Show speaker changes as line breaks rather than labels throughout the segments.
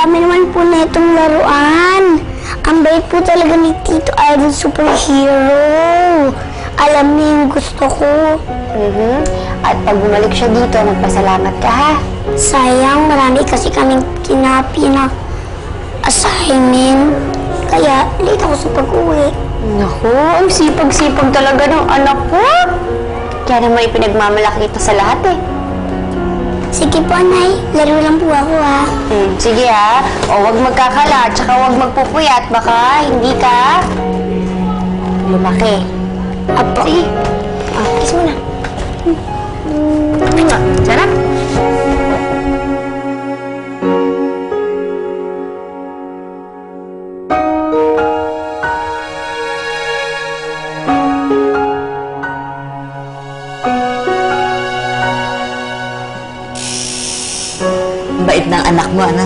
dami naman po na itong laruan. Ang bait po talaga ni Tito Idol Superhero. Alam niya yung gusto ko.
At pag bumalik siya dito, magpasalamat ka, ha?
Sayang, marami kasi kaming kinapi na assignment. Kaya, late ako sa pag-uwi.
Naku, ang sipag-sipag talaga ng anak ko. Kaya naman ipinagmamalaki kita sa lahat, eh.
Sige po, Nay. Laro lang po ako, ha.
Sige, ha? O, huwag magkakala, tsaka huwag magpupuyat. Baka hindi ka lumaki.
Apo.
Sige. Kiss mo na. Sarap.
Bait ng anak mo, anak.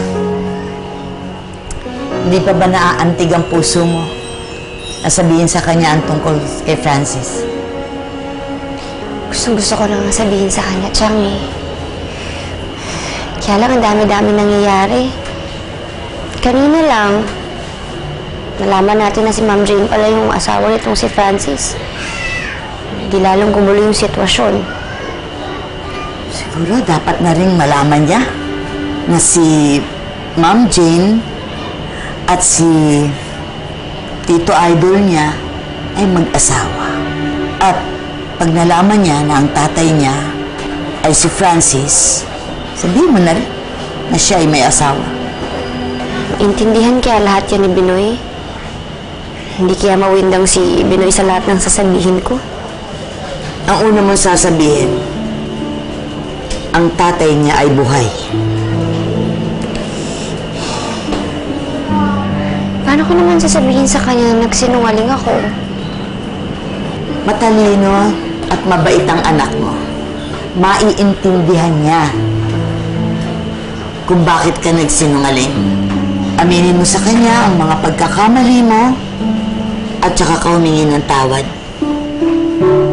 Hindi pa ba naaantig ang puso mo na sabihin sa kanya ang tungkol kay Francis?
Gusto ko nang sabihin sa kanya, Chang, eh. Kaya lang ang dami-dami nangyayari. Kanina lang, nalaman natin na si Ma'am Jane pala yung asawa nitong si Francis. Di lalong gumulo yung sitwasyon.
Siguro dapat na rin malaman niya na si Ma'am Jane at si Tito Idol niya ay mag-asawa. At pag nalaman niya na ang tatay niya ay si Francis, sabihin mo na rin na siya ay may asawa.
Intindihan kaya lahat yan ni Binoy? Hindi kaya mawindang si Binoy sa lahat ng sasabihin ko?
Ang una mong sasabihin, ang tatay niya ay buhay.
Paano ko naman sasabihin sa kanya na nagsinungaling ako?
Matalino at mabait ang anak mo. Maiintindihan niya kung bakit ka nagsinungaling. Aminin mo sa kanya ang mga pagkakamali mo at saka ka humingi ng tawad.